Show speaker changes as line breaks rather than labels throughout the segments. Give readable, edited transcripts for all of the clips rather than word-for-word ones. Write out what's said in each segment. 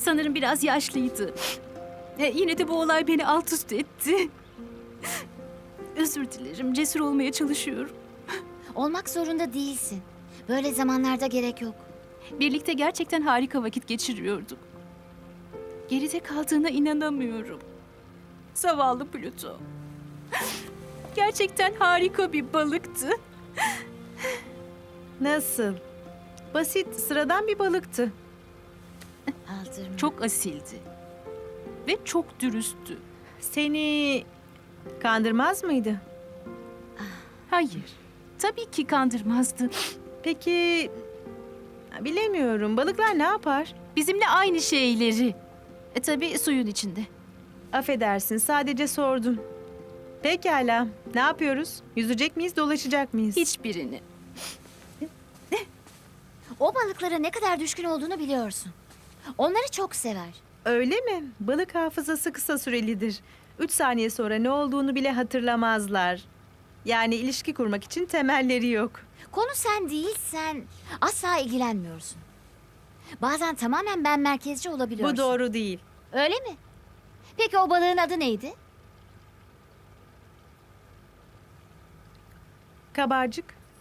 Sanırım biraz yaşlıydı. Yine de bu olay beni alt üst etti. Özür dilerim, cesur olmaya çalışıyorum.
Olmak zorunda değilsin. Böyle zamanlarda gerek yok.
Birlikte gerçekten harika vakit geçiriyorduk. Geride kaldığına inanamıyorum. Zavallı Pluto. Gerçekten harika bir balıktı.
Nasıl? Basit, sıradan bir balıktı.
Aldırma.
Çok asildi. Ve çok dürüsttü.
Seni kandırmaz mıydı?
Hayır, tabii ki kandırmazdı.
Peki, bilemiyorum. Balıklar ne yapar?
Bizimle aynı şeyleri. Tabii suyun içinde.
Affedersin, sadece sordum. Pekala, ne yapıyoruz? Yüzecek miyiz, dolaşacak mıyız?
Hiçbirini.
O balıklara ne kadar düşkün olduğunu biliyorsun. Onları çok sever.
Öyle mi? Balık hafızası kısa sürelidir. 3 saniye sonra ne olduğunu bile hatırlamazlar. Yani ilişki kurmak için temelleri yok.
Konu sen değilsen asla ilgilenmiyorsun. Bazen tamamen ben merkezci olabiliyorsun.
Bu doğru değil.
Öyle mi? Peki o balığın adı neydi?
Kabarcık.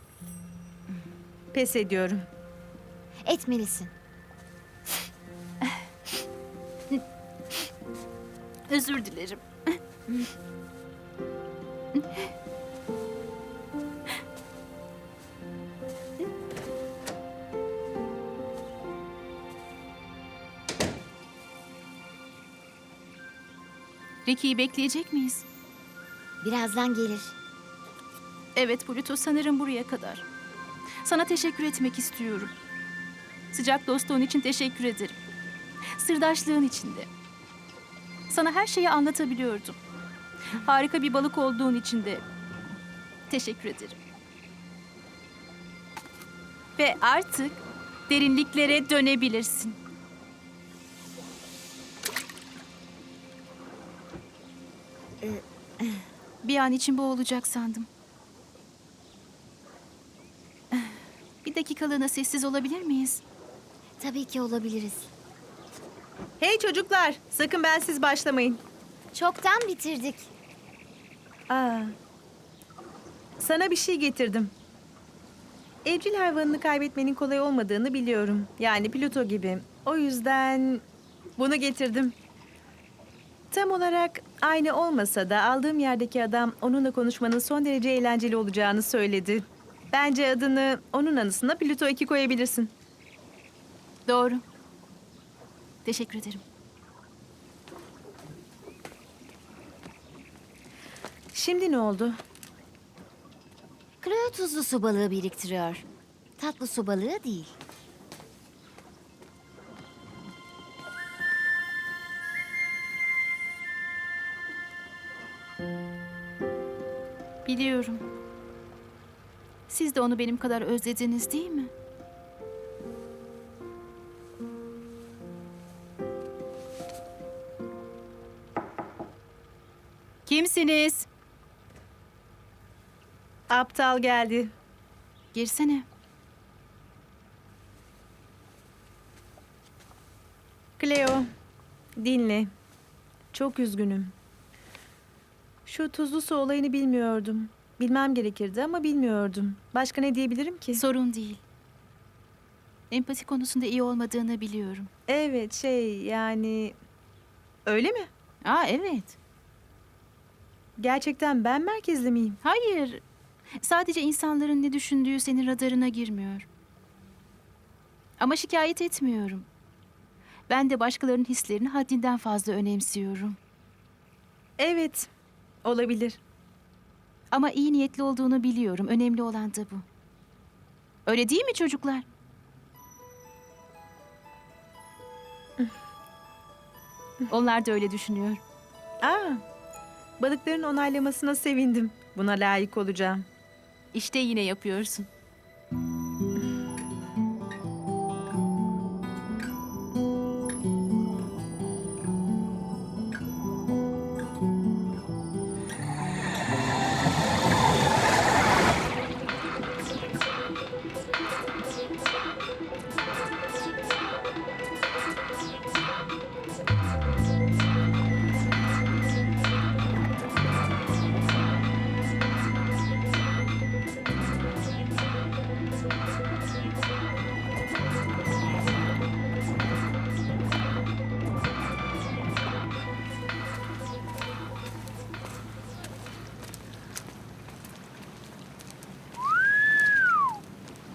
Pes ediyorum.
Etmelisin.
Özür dilerim. Ricky'yi bekleyecek miyiz?
Birazdan gelir.
Evet Pluto, sanırım buraya kadar. Sana teşekkür etmek istiyorum. Sıcak dostluğun için teşekkür ederim. Sırdaşlığın için de. Sana her şeyi anlatabiliyordum. Harika bir balık olduğun için de teşekkür ederim. Ve artık derinliklere dönebilirsin. Bir an için bu olacak sandım. Bir dakikalığına sessiz olabilir miyiz?
Tabii ki olabiliriz.
Hey çocuklar, sakın bensiz başlamayın.
Çoktan bitirdik.
Aa, sana bir şey getirdim. Evcil hayvanını kaybetmenin kolay olmadığını biliyorum. Yani Pluto gibi. O yüzden bunu getirdim. Tam olarak aynı olmasa da aldığım yerdeki adam onunla konuşmanın son derece eğlenceli olacağını söyledi. Bence adını onun anısına Pluto 2 koyabilirsin.
Doğru. Teşekkür ederim.
Şimdi ne oldu?
Chloe tuzlu su balığı biriktiriyor. Tatlı su balığı değil.
Biliyorum. Siz de onu benim kadar özlediniz değil mi? Kimsiniz?
Aptal geldi.
Girsene.
Cleo, dinle. Çok üzgünüm. Şu tuzlu su olayını bilmiyordum. Bilmem gerekirdi ama bilmiyordum. Başka ne diyebilirim ki?
Sorun değil. Empati konusunda iyi olmadığını biliyorum.
Evet, yani... Öyle mi?
Evet.
Gerçekten ben merkezli miyim?
Hayır. Sadece insanların ne düşündüğü senin radarına girmiyor. Ama şikayet etmiyorum. Ben de başkalarının hislerini haddinden fazla önemsiyorum.
Evet, olabilir.
Ama iyi niyetli olduğunu biliyorum. Önemli olan da bu. Öyle değil mi çocuklar? Onlar da öyle düşünüyor.
Aa, balıkların onaylamasına sevindim. Buna layık olacağım.
İşte yine yapıyorsun.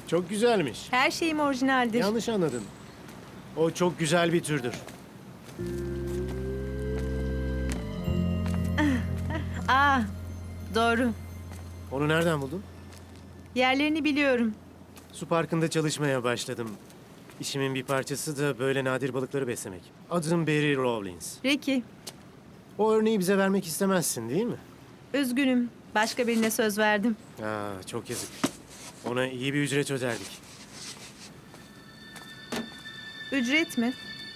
Çok güzelmiş.
Her şeyim orijinaldir.
Yanlış anladın. O çok güzel bir türdür.
Aa, doğru.
Onu nereden buldun?
Yerlerini biliyorum.
Su parkında çalışmaya başladım. İşimin bir parçası da böyle nadir balıkları beslemek. Adım Barry Rawlins.
Ricky,
O örneği bize vermek istemezsin değil mi?
üzgünüm. Başka birine söz verdim.
Çok yazık. Ona iyi bir ücret öderdik.
Ücret mi?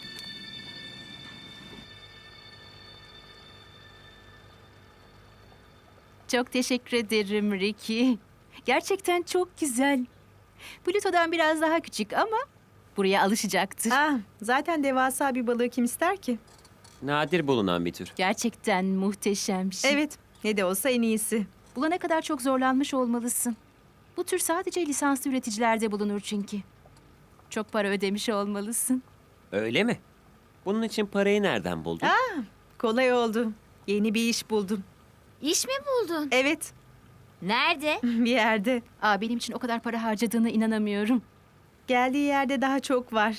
Çok teşekkür ederim Ricky. Gerçekten çok güzel. Pluto'dan biraz daha küçük ama buraya alışacaktır.
Zaten devasa bir balığı kim ister ki?
Nadir bulunan bir tür.
Gerçekten muhteşem bir şey.
Evet, ne de olsa en iyisi.
Bulana kadar çok zorlanmış olmalısın. Bu tür sadece lisanslı üreticilerde bulunur çünkü. Çok para ödemiş olmalısın.
Öyle mi? Bunun için parayı nereden buldun?
Kolay oldu. Yeni bir iş buldum.
İş mi buldun?
Evet,
Nerede?
bir yerde.
Benim için o kadar para harcadığına inanamıyorum.
Geldiği yerde daha çok var.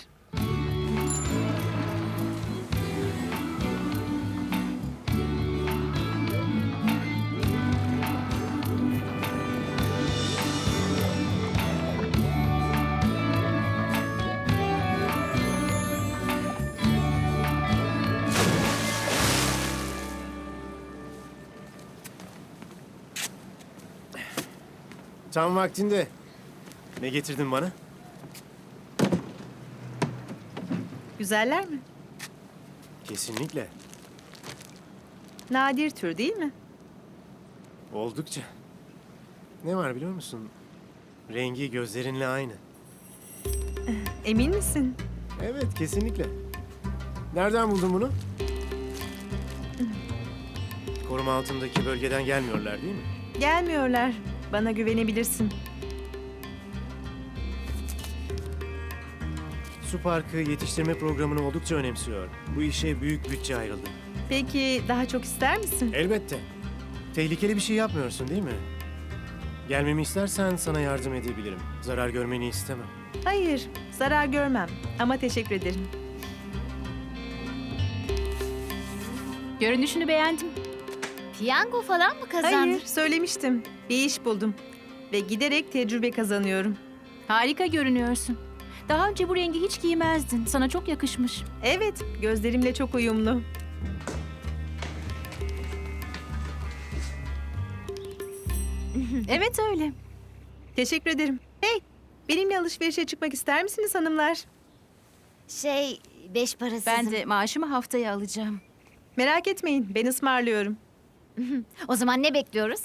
Tam vaktinde. Ne getirdin bana?
Güzeller mi?
Kesinlikle.
Nadir tür değil mi?
Oldukça. Ne var biliyor musun? Rengi gözlerinle aynı.
Emin misin?
Evet, kesinlikle. Nereden buldun bunu? Koruma altındaki bölgeden gelmiyorlar değil mi?
Gelmiyorlar. Bana güvenebilirsin.
Su Parkı yetiştirme programını oldukça önemsiyor. Bu işe büyük bütçe ayrıldı.
Peki daha çok ister misin?
Elbette. Tehlikeli bir şey yapmıyorsun değil mi? Gelmemi istersen sana yardım edebilirim. Zarar görmeni istemem.
Hayır, zarar görmem. Ama teşekkür ederim.
Görünüşünü beğendim.
Piyango falan mı kazandın?
Hayır, söylemiştim. Bir iş buldum. Ve giderek tecrübe kazanıyorum.
Harika görünüyorsun. Daha önce bu rengi hiç giymezdin. Sana çok yakışmış.
Evet, gözlerimle çok uyumlu.
Evet öyle.
Teşekkür ederim. Hey, benimle alışverişe çıkmak ister misiniz hanımlar?
Beş parasızım.
Ben de maaşımı haftaya alacağım.
Merak etmeyin, ben ısmarlıyorum.
O zaman ne bekliyoruz?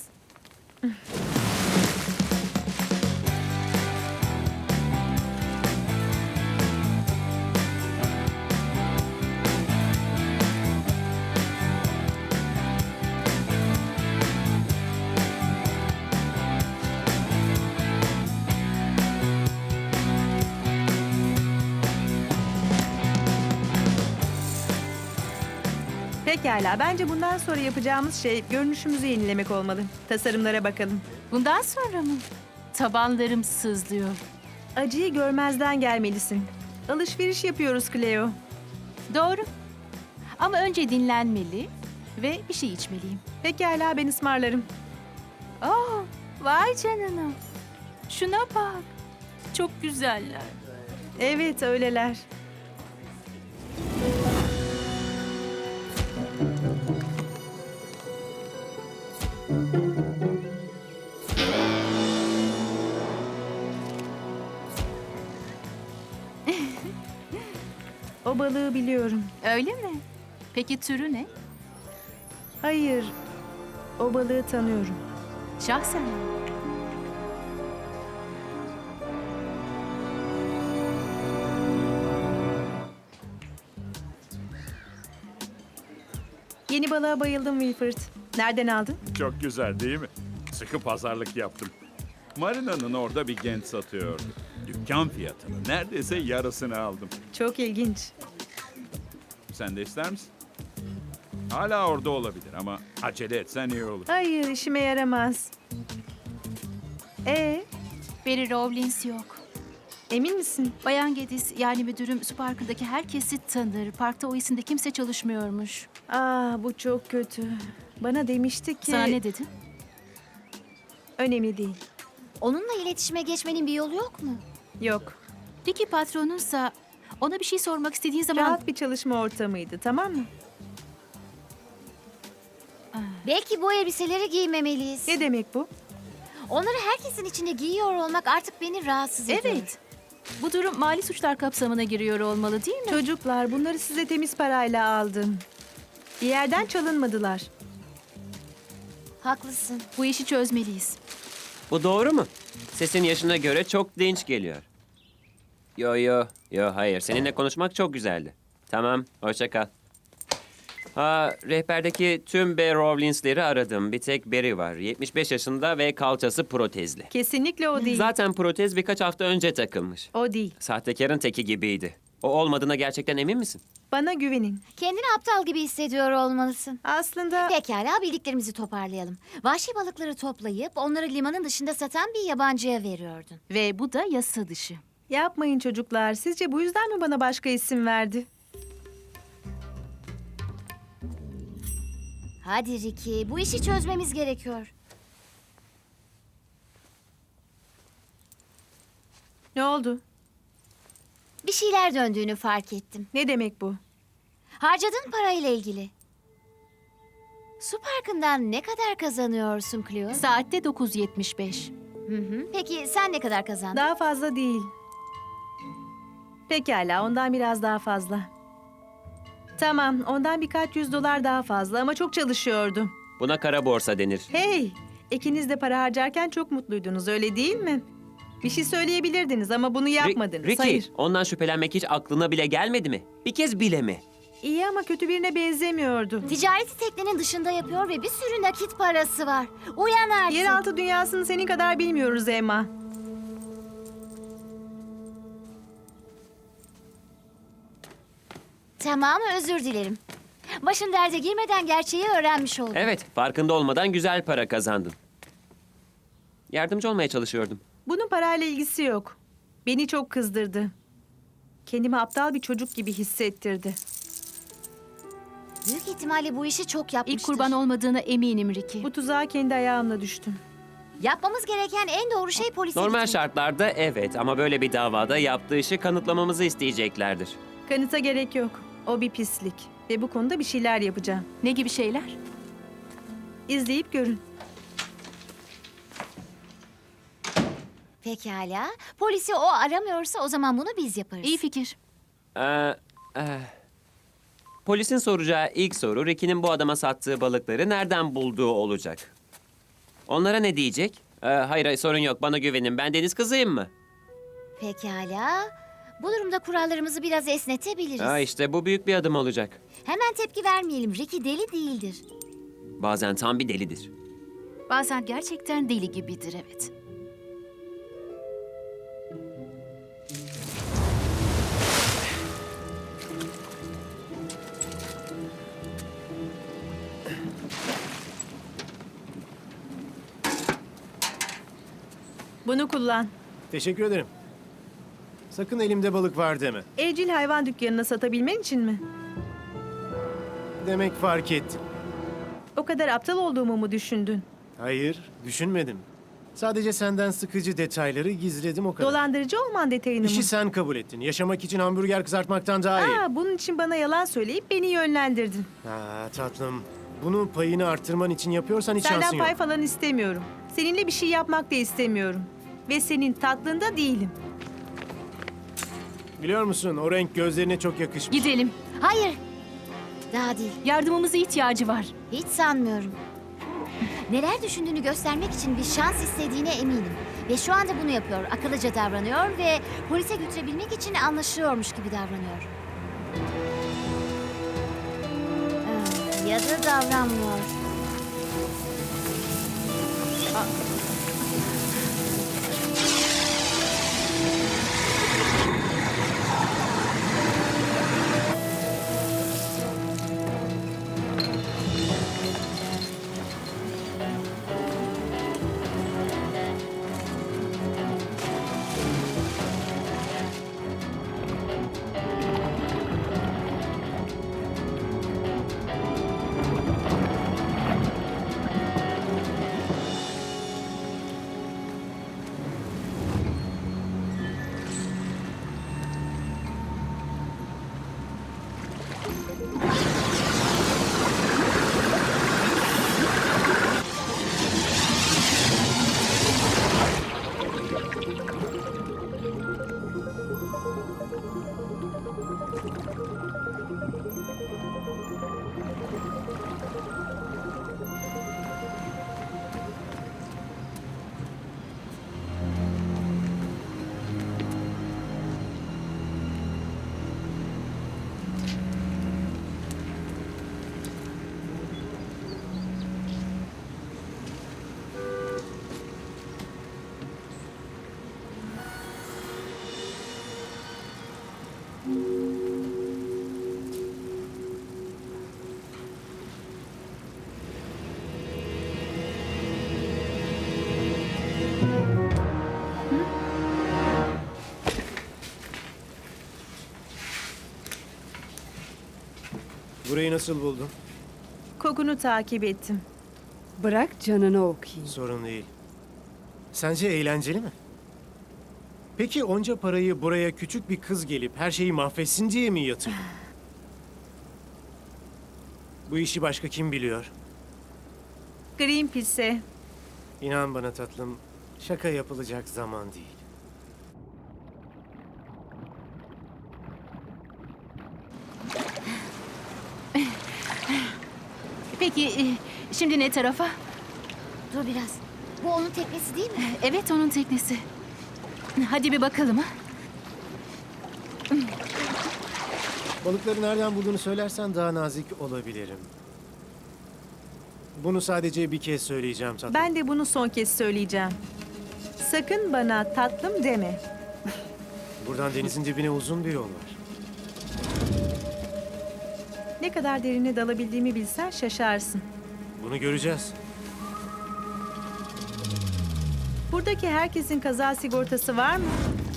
Pekala, bence bundan sonra yapacağımız şey görünüşümüzü yenilemek olmalı. Tasarımlara bakalım.
Bundan sonra mı? Tabanlarım sızlıyor.
Acıyı görmezden gelmelisin. Alışveriş yapıyoruz Cleo.
Doğru. Ama önce dinlenmeli ve bir şey içmeliyim.
Pekala, ben ısmarlarım.
Vay canına. Şuna bak. Çok güzeller.
Evet, öyleler. O balığı biliyorum.
Öyle mi? Peki türü ne?
Hayır, o balığı tanıyorum.
Şahsen mi?
Yeni balığa bayıldım Wilford. Nereden aldın?
Çok güzel değil mi? Sıkı pazarlık yaptım. Marina'nın orada bir genç satıyordu. Dükkan fiyatının neredeyse yarısını aldım.
Çok ilginç.
Sen de ister misin? Hala orada olabilir ama acele etsen iyi olur.
Hayır, işime yaramaz.
Barry Rawlins yok.
Emin misin?
Bayan Gedis yani müdürüm su parkındaki herkesi tanır. Parkta o isimde kimse çalışmıyormuş.
Bu çok kötü. Bana demişti ki...
Sana ne dedi?
Önemli değil.
Onunla iletişime geçmenin bir yolu yok mu?
Yok.
Ricky patronunsa ona bir şey sormak istediğin zaman...
Rahat bir çalışma ortamıydı, tamam mı?
Belki bu elbiseleri giymemeliyiz.
Ne demek bu?
Onları herkesin içinde giyiyor olmak artık beni rahatsız ediyor.
Evet. Bu durum mali suçlar kapsamına giriyor olmalı değil mi?
Çocuklar, bunları size temiz parayla aldım. Bir yerden çalınmadılar.
Haklısın.
Bu işi çözmeliyiz.
Bu doğru mu? Sesin yaşına göre çok dinç geliyor. Yo hayır. Seninle konuşmak çok güzeldi. Tamam, hoşça kal. Rehberdeki tüm Bay Rowlings'leri aradım. Bir tek Barry var. 75 yaşında ve kalçası protezli.
Kesinlikle o değil.
Zaten protez birkaç hafta önce takılmış.
O değil.
Sahtekarın teki gibiydi. O olmadığına gerçekten emin misin?
Bana güvenin.
Kendini aptal gibi hissediyor olmalısın.
Aslında
Pekala, bildiklerimizi toparlayalım. Vahşi balıkları toplayıp onları limanın dışında satan bir yabancıya veriyordun.
Ve bu da yasa dışı.
yapmayın çocuklar. Sizce bu yüzden mi bana başka isim verdi?
Hadi Ricky, bu işi çözmemiz gerekiyor.
Ne oldu?
Bir şeyler döndüğünü fark ettim.
Ne demek bu?
Harcadığın parayla ilgili. Su parkından ne kadar kazanıyorsun Cleo?
Saatte 9.75.
Peki sen ne kadar kazandın?
Daha fazla değil. Pekala, ondan biraz daha fazla. Tamam, ondan birkaç $100 daha fazla ama çok çalışıyordum.
Buna kara borsa denir.
Hey, ikiniz de para harcarken çok mutluydunuz, öyle değil mi? Bir şey söyleyebilirdiniz ama bunu yapmadınız.
Ricky,
Hayır.
ondan şüphelenmek hiç aklına bile gelmedi mi? Bir kez bile mi?
İyi ama kötü birine benzemiyordu.
Ticareti teknenin dışında yapıyor ve bir sürü nakit parası var. Uyan artık.
Yeraltı dünyasını senin kadar bilmiyoruz Emma.
Tamam, özür dilerim. Başın derde girmeden gerçeği öğrenmiş oldum.
Evet, farkında olmadan güzel para kazandın. Yardımcı olmaya çalışıyordum.
Bunun parayla ilgisi yok. Beni çok kızdırdı. Kendimi aptal bir çocuk gibi hissettirdi.
Büyük ihtimalle bu işi çok yapmıştır.
İlk kurban olmadığına eminim Ricky.
Bu tuzağa kendi ayağımla düştüm.
Yapmamız gereken en doğru şey polise
Normal
gitmek.
şartlarda evet ama böyle bir davada yaptığı işi kanıtlamamızı isteyeceklerdir.
Kanıta gerek yok. O bir pislik. Ve bu konuda bir şeyler yapacağım.
Ne gibi şeyler?
İzleyip görün.
Pekala. Polisi o aramıyorsa o zaman bunu biz yaparız.
İyi fikir.
Ee, Polisin soracağı ilk soru Ricky'nin bu adama sattığı balıkları nereden bulduğu olacak. Onlara ne diyecek? Hayır sorun yok bana güvenin ben deniz kızıyım mı?
Pekala. Bu durumda kurallarımızı biraz esnetebiliriz.
İşte bu büyük bir adım olacak.
Hemen tepki vermeyelim. Ricky deli değildir.
Bazen tam bir delidir.
Bazen gerçekten deli gibidir evet.
Bunu kullan.
Teşekkür ederim. Sakın elimde balık var deme.
Evcil hayvan dükkanına satabilmen için mi?
Demek fark ettim.
O kadar aptal olduğumu mu düşündün?
Hayır, düşünmedim. Sadece senden sıkıcı detayları gizledim o kadar.
Dolandırıcı olman detayını mı?
İşi sen kabul ettin. Yaşamak için hamburger kızartmaktan daha iyi.
Bunun için bana yalan söyleyip beni yönlendirdin.
Tatlım. Bunu payını arttırman için yapıyorsan hiç
Senden
şansın yok.
pay falan istemiyorum. Seninle bir şey yapmak da istemiyorum. Ve senin tatlında değilim.
Biliyor musun o renk gözlerine çok yakışmış.
Gidelim.
Hayır. Daha değil.
Yardımımıza ihtiyacı var.
Hiç sanmıyorum. Neler düşündüğünü göstermek için bir şans istediğine eminim. Ve şu anda bunu yapıyor. Akıllıca davranıyor ve polise götürebilmek için anlaşıyormuş gibi davranıyor. Ya da davranmıyor.
Burayı nasıl buldun?
Kokunu takip ettim.
Bırak canını okuyayım.
Sorun değil. Sence eğlenceli mi? Peki onca parayı buraya küçük bir kız gelip her şeyi mahvetsin diye mi yatırdın? Bu işi başka kim biliyor?
Greenpeace'e.
İnan bana tatlım, şaka yapılacak zaman değil.
Peki şimdi ne tarafa?
Dur biraz. Bu onun teknesi değil mi?
Evet, onun teknesi. Hadi bir bakalım ha.
Balıkları nereden bulduğunu söylersen daha nazik olabilirim. Bunu sadece bir kez söyleyeceğim tatlım.
Ben de bunu son kez söyleyeceğim. Sakın bana tatlım deme.
Buradan denizin dibine uzun bir yol var.
Ne kadar derine dalabildiğimi bilsen şaşarsın.
Bunu göreceğiz.
Buradaki herkesin kaza sigortası var mı?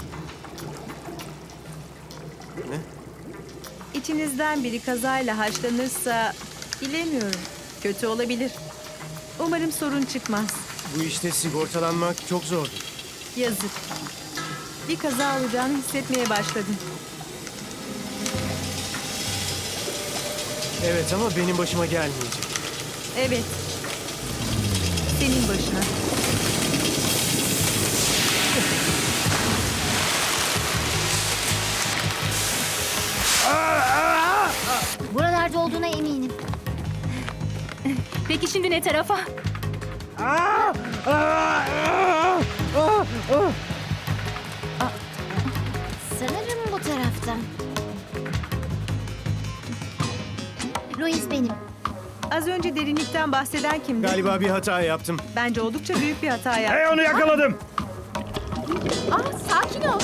Ne?
İçinizden biri kazayla haşlanırsa bilemiyorum. Kötü olabilir. Umarım sorun çıkmaz.
Bu işte sigortalanmak çok zordur.
Yazık. Bir kaza olacağını hissetmeye başladım.
Evet ama benim başıma gelmeyecek.
Evet. Senin başına.
Buralarda olduğuna eminim.
Peki şimdi ne tarafa?
Sanırım bu taraftan. Louis benim.
Az önce derinlikten bahseden kimdi?
Galiba bir hata yaptım.
Bence oldukça büyük bir hata yaptı.
Hey, onu yakaladım.
Sakin ol.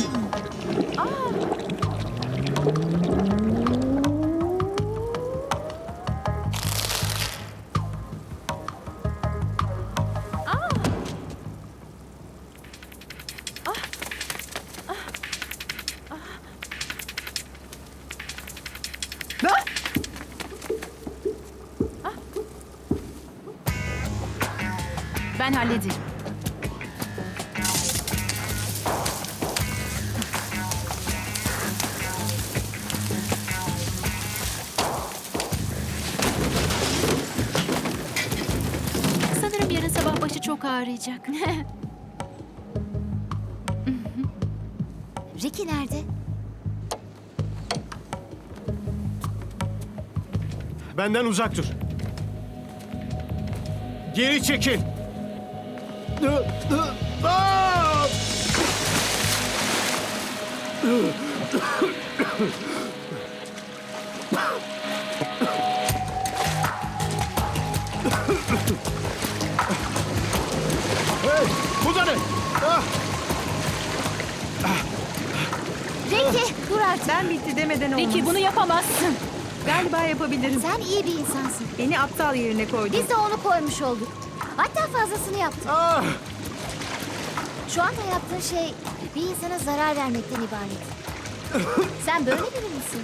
Ben hallederim. Sanırım yarın sabah başı çok ağrıyacak.
Ricky nerede?
Benden uzak dur. Geri çekil. Aa! Hey, bu da ne? Ah!
Ricky dur artık.
Ben bitti demeden olmaz.
Ricky bunu yapamazsın.
Galiba yapabilirim.
Sen iyi bir insansın.
Beni aptal yerine koydun.
Biz de onu koymuş olduk. Hatta fazlasını yaptık.
Ah!
Şu anda yaptığın şey bir insana zarar vermekten ibaret. Sen böyle biri misin?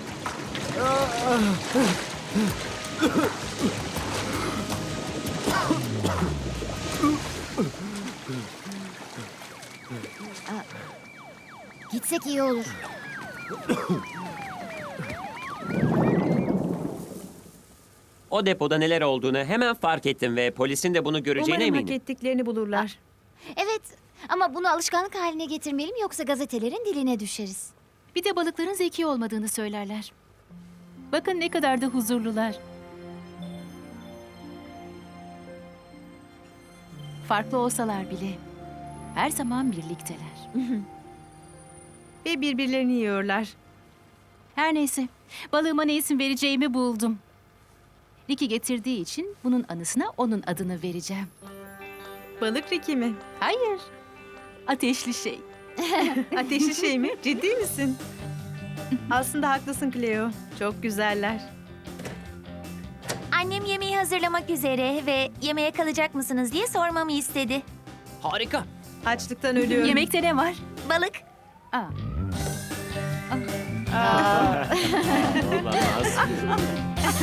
Gitsek iyi olur.
O depoda neler olduğunu hemen fark ettim ve polisin de bunu göreceğine
Umarım hak
eminim.
ettiklerini bulurlar.
Evet ama bunu alışkanlık haline getirmeliyim yoksa gazetelerin diline düşeriz.
Bir de balıkların zeki olmadığını söylerler. Bakın ne kadar da huzurlular. Farklı olsalar bile her zaman birlikteler.
Ve birbirlerini yiyorlar.
Her neyse, balığıma ne isim vereceğimi buldum. Ricky getirdiği için bunun anısına onun adını vereceğim.
Balık Ricky mi?
Hayır, ateşli şey.
Ateşli şey mi? Ciddi misin? Aslında haklısın Cleo. Çok güzeller.
Annem yemeği hazırlamak üzere ve yemeğe kalacak mısınız diye sormamı istedi.
Harika.
Açlıktan ölüyorum.
Yemekte ne var?
Balık.
Aa,
Olamaz.